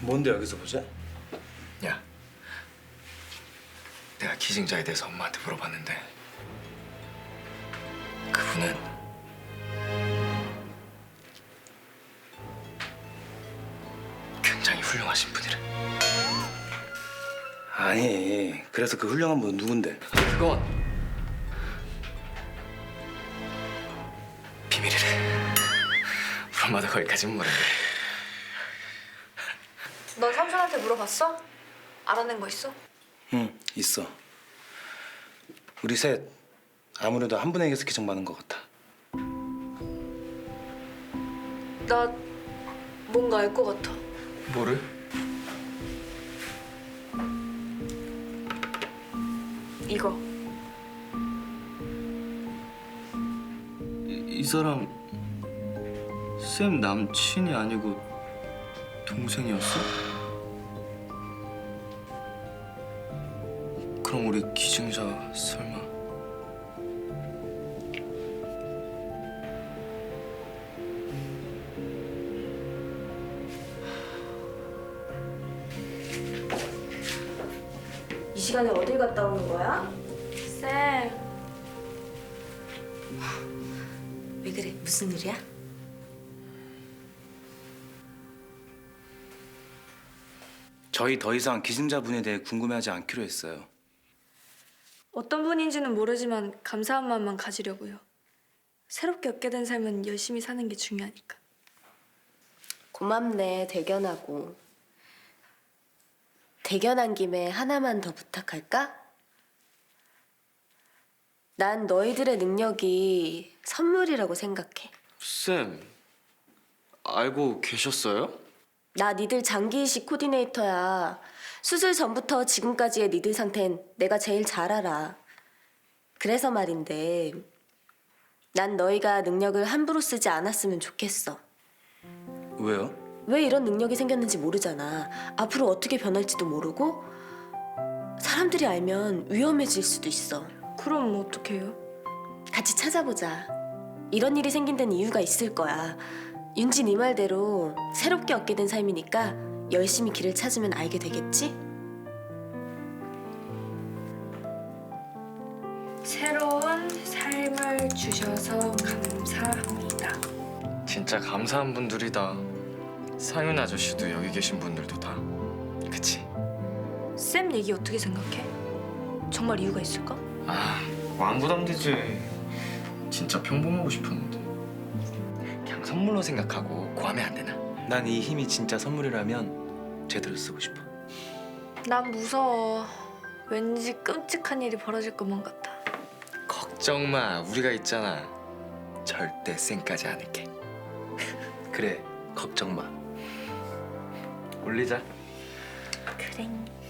뭔데 여기서 보자? 야, 내가 기증자에 대해서 엄마한테 물어봤는데 그분은 굉장히 훌륭하신 분이래. 아니, 그래서 그 훌륭한 분은 누군데? 그건 비밀이래. 우리 엄마도 거기까진 모르는데. 넌 삼촌한테 물어봤어? 알아낸 거 있어? 응, 있어. 우리 셋 아무래도 한 분에게서 기증받은 것 같아. 나 뭔가 알 것 같아. 뭐를? 이거. 이 사람 쌤 남친이 아니고 동생이었어? 그럼 우리 기증자 설마? 이 시간에 어딜 갔다 오는 거야? 쌤. 왜 그래? 무슨 일이야? 저희 더 이상 기증자분에 대해 궁금해하지 않기로 했어요. 어떤 분인지는 모르지만 감사한 마음만 가지려고요. 새롭게 얻게 된 삶은 열심히 사는 게 중요하니까. 고맙네, 대견하고. 대견한 김에 하나만 더 부탁할까? 난 너희들의 능력이 선물이라고 생각해. 쌤, 알고 계셨어요? 나 니들 장기이식 코디네이터야. 수술 전부터 지금까지의 니들 상태는 내가 제일 잘 알아. 그래서 말인데 난 너희가 능력을 함부로 쓰지 않았으면 좋겠어. 왜요? 왜 이런 능력이 생겼는지 모르잖아. 앞으로 어떻게 변할지도 모르고 사람들이 알면 위험해질 수도 있어. 그럼 어떡해요? 같이 찾아보자. 이런 일이 생긴 데는 이유가 있을 거야. 윤지 네 말대로 새롭게 얻게 된 삶이니까 열심히 길을 찾으면 알게 되겠지? 새로운 삶을 주셔서 감사합니다. 진짜 감사한 분들이다. 상윤 아저씨도 여기 계신 분들도 다. 그치? 쌤 얘기 어떻게 생각해? 정말 이유가 있을까? 아, 안 부담되지. 진짜 평범하고 싶었는데. 그냥 선물로 생각하고 고하면 안 되나? 난 이 힘이 진짜 선물이라면 제대로 쓰고 싶어. 난 무서워. 왠지 끔찍한 일이 벌어질 것만 같아. 걱정 마, 우리가 있잖아. 절대 쌩까지 않을게. 그래, 걱정 마. 올리자. 그래.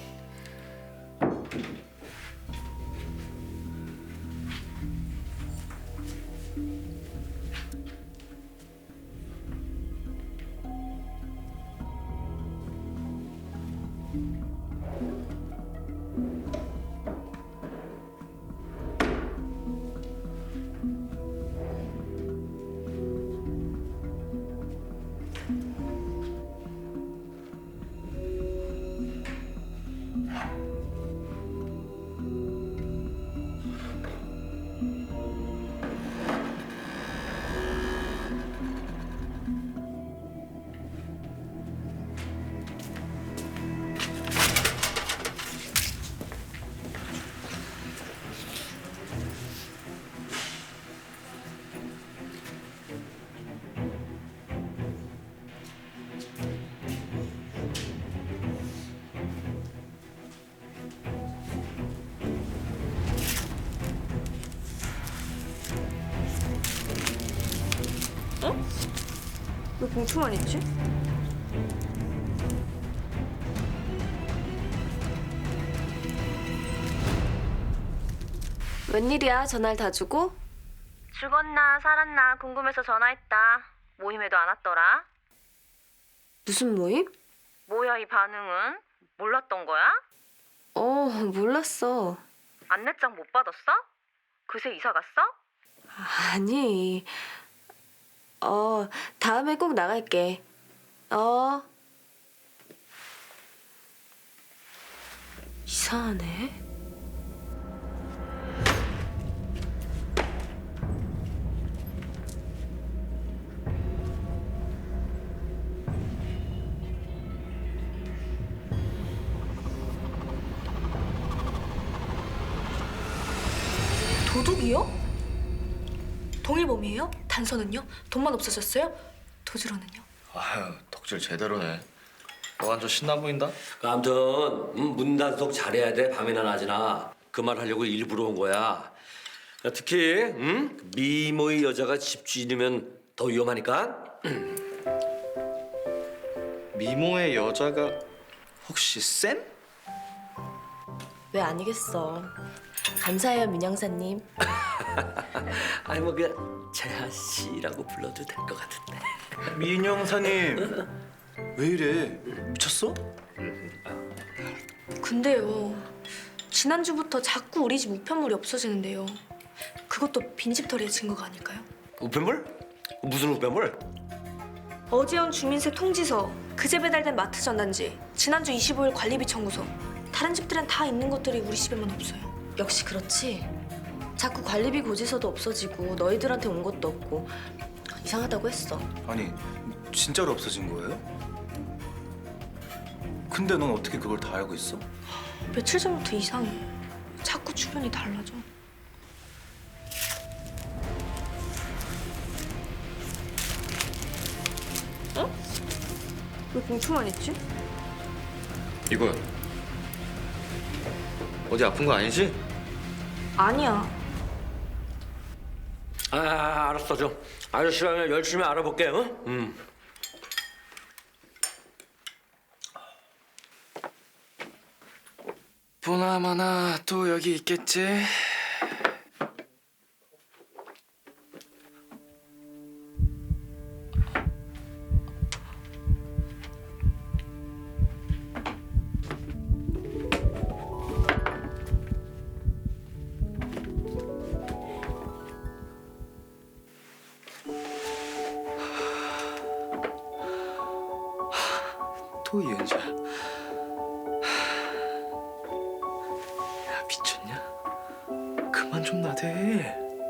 왜 봉투만 있지? 웬일이야, 전화를 다 주고? 죽었나 살았나 궁금해서 전화했다. 모임에도 안 왔더라. 무슨 모임? 뭐야 이 반응은? 몰랐던 거야? 몰랐어. 안내장 못 받았어? 그새 이사 갔어? 아니. 다음에 꼭 나갈게. 이상하네. 도둑이요? 동일범이에요? 단서는요? 돈만 없어졌어요? 도주로는요? 아유, 덕질 제대로네. 너 완전 신나 보인다. 아무튼 문단속 잘해야 돼. 밤이나 낮이나. 그 말 하려고 일부러 온 거야. 특히 미모의 여자가 집주인이면 더 위험하니까. 미모의 여자가 혹시 쌤? 왜 아니겠어. 감사해요, 민영사님. 아니 뭐 그냥 재하 씨라고 불러도 될 것 같은데. 민영사님 왜 이래? 미쳤어? 근데요. 지난주부터 자꾸 우리 집 우편물이 없어지는데요. 그것도 빈집털이의 증거가 아닐까요? 우편물? 무슨 우편물? 어제 온 주민세 통지서, 그제 배달된 마트 전단지, 지난주 25일 관리비 청구서. 다른 집들은 다 있는 것들이 우리 집에만 없어요. 역시 그렇지. 자꾸 관리비 고지서도 없어지고 너희들한테 온 것도 없고 이상하다고 했어. 아니 진짜로 없어진 거예요? 근데 넌 어떻게 그걸 다 알고 있어? 며칠 전부터 이상해. 자꾸 주변이 달라져. 어? 왜 봉투만 있지? 이거 어디 아픈 거 아니지? 아니야. 아 알았어 좀 아저씨가 열심히 알아볼게. 보나마나 또 여기 있겠지. 또 이은자. 야 미쳤냐? 그만 좀 나대.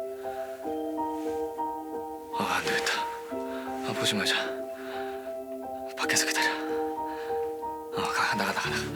아 안되겠다. 보지 말자. 밖에서 기다려. 나가.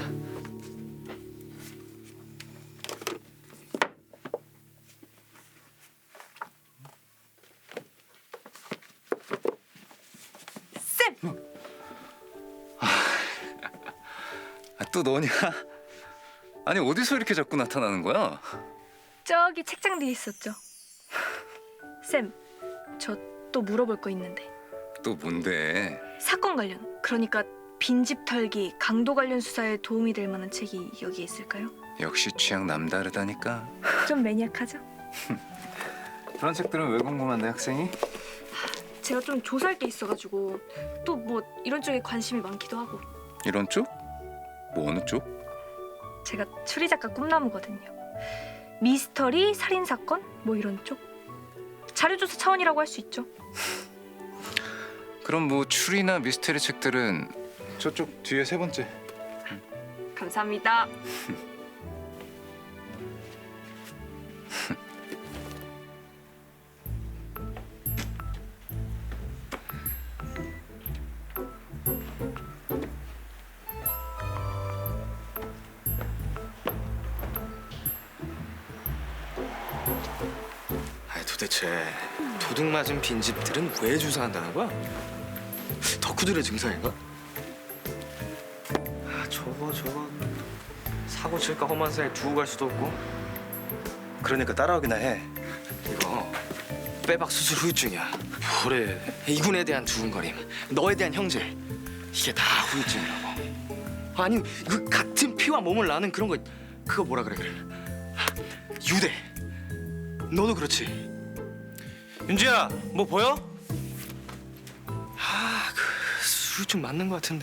또 너냐? 아니 어디서 이렇게 자꾸 나타나는 거야? 저기 책장 뒤에 있었죠. 쌤, 저 또 물어볼 거 있는데. 또 뭔데? 사건 관련, 그러니까 빈집 털기, 강도 관련 수사에 도움이 될 만한 책이 여기에 있을까요? 역시 취향 남다르다니까. 좀 매니악하죠? 그런 책들은 왜 궁금한데 학생이? 제가 좀 조사할 게 있어가지고 또 뭐 이런 쪽에 관심이 많기도 하고. 이런 쪽? 뭐 어느 쪽? 제가 추리 작가 꿈나무거든요. 미스터리, 살인 사건 뭐 이런 쪽. 자료 조사 차원이라고 할 수 있죠. 그럼 뭐 추리나 미스테리 책들은 저쪽 뒤에 세 번째. 감사합니다. 아니 도대체 도둑 맞은 빈집들은 왜 주사한다는 거야? 덕후들의 증상인가? 저거 사고 칠까 험한 사이에 두고 갈 수도 없고. 그러니까 따라오기나 해. 이거 빼박 수술 후유증이야. 뭐래? 이군에 대한 두근거림, 너에 대한 형질, 이게 다 후유증이라고. 아니 그 같은 피와 몸을 나는 그런 거, 그거 뭐라 그래. 유대. 너도 그렇지. 윤지야, 뭐 보여? 그 후유증 맞는 거 같은데.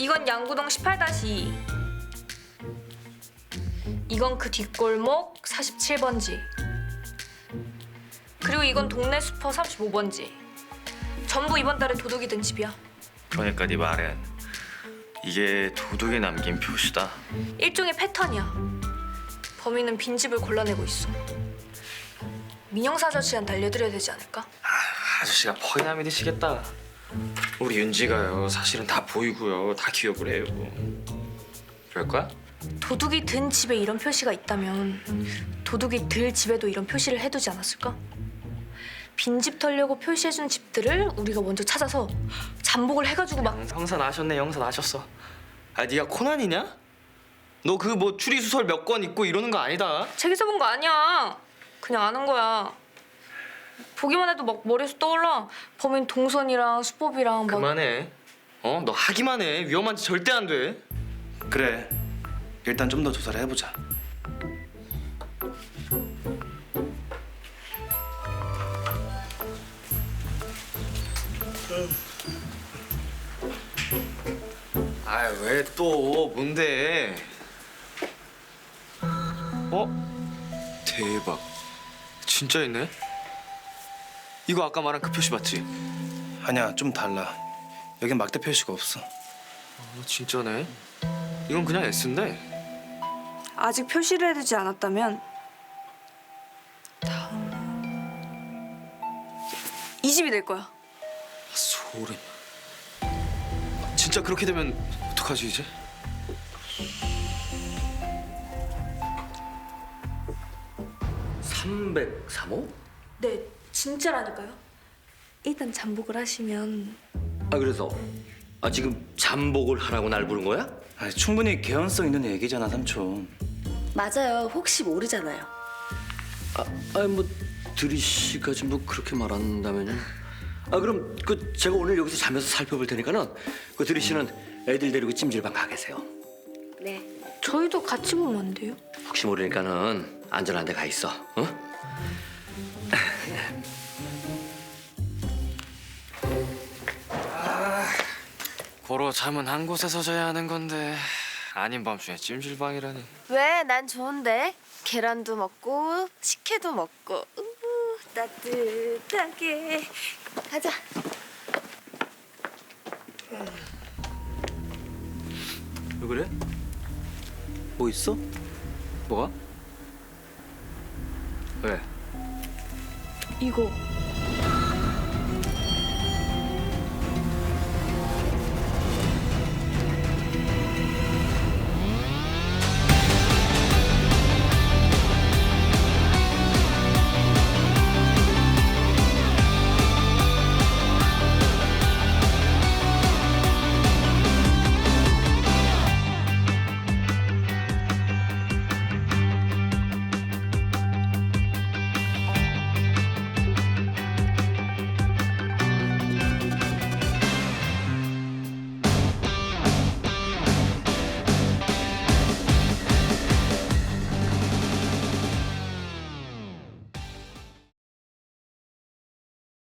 이건 양구동 18-2. 이건 그 뒷골목 47번지. 그리고 이건 동네 슈퍼 35번지. 전부 이번 달에 도둑이 든 집이야. 그러니까 네 말은 이게 도둑이 남긴 표시다. 일종의 패턴이야. 범인은 빈집을 골라내고 있어. 민영사 아저씨한테 알려드려야 되지 않을까? 아저씨가 퍽이나 믿으시겠다. 우리 윤지가요 사실은 다 보이고요 다 기억을 해요. 그럴 거야? 도둑이 든 집에 이런 표시가 있다면 도둑이 들 집에도 이런 표시를 해두지 않았을까? 빈집 털려고 표시해준 집들을 우리가 먼저 찾아서 잠복을 해가지고 막 형사 나셨네. 형사 나셨어. 아 네가 코난이냐? 너 그 뭐 추리소설 몇 권 읽고 이러는 거 아니다. 책에서 본 거 아니야. 그냥 아는 거야. 보기만 해도 막 머리에서 떠올라. 범인 동선이랑 수법이랑 막. 그만해. 너 하기만 해. 위험한 짓 절대 안 돼. 그래. 일단 좀 더 조사를 해보자. 아 왜 또 뭔데? 대박. 진짜 있네. 이거 아까 말한 그 표시 맞지? 아니야, 좀 달라. 여긴 막대 표시가 없어. 진짜네. 이건 그냥 S인데. 아직 표시를 해두지 않았다면 다음 이 집이 될 거야. 소름. 진짜 그렇게 되면 어떡하지 이제? (303호) 네, 진짜라니까요. 일단 잠복을 하시면 아 그래서 지금 잠복을 하라고 날 부른 거야? 아니, 충분히 개연성 있는 얘기잖아, 삼촌. 맞아요. 혹시 모르잖아요. 아니 뭐 드리 씨까지 뭐 그렇게 말한다면요. 그럼 그 제가 오늘 여기서 자면서 살펴볼 테니까는 그 드리 씨는 애들 데리고 찜질방 가 계세요. 네. 저희도 같이 보면 안 돼요? 혹시 모르니까는 안전한 데 가 있어. 어? 고로 잠은 한 곳에서 자야 하는 건데 아닌 밤중에 찜질방이라니. 왜? 난 좋은데. 계란도 먹고 식혜도 먹고 따뜻하게 가자. 왜 그래? 뭐 있어? 뭐가? 왜? 이거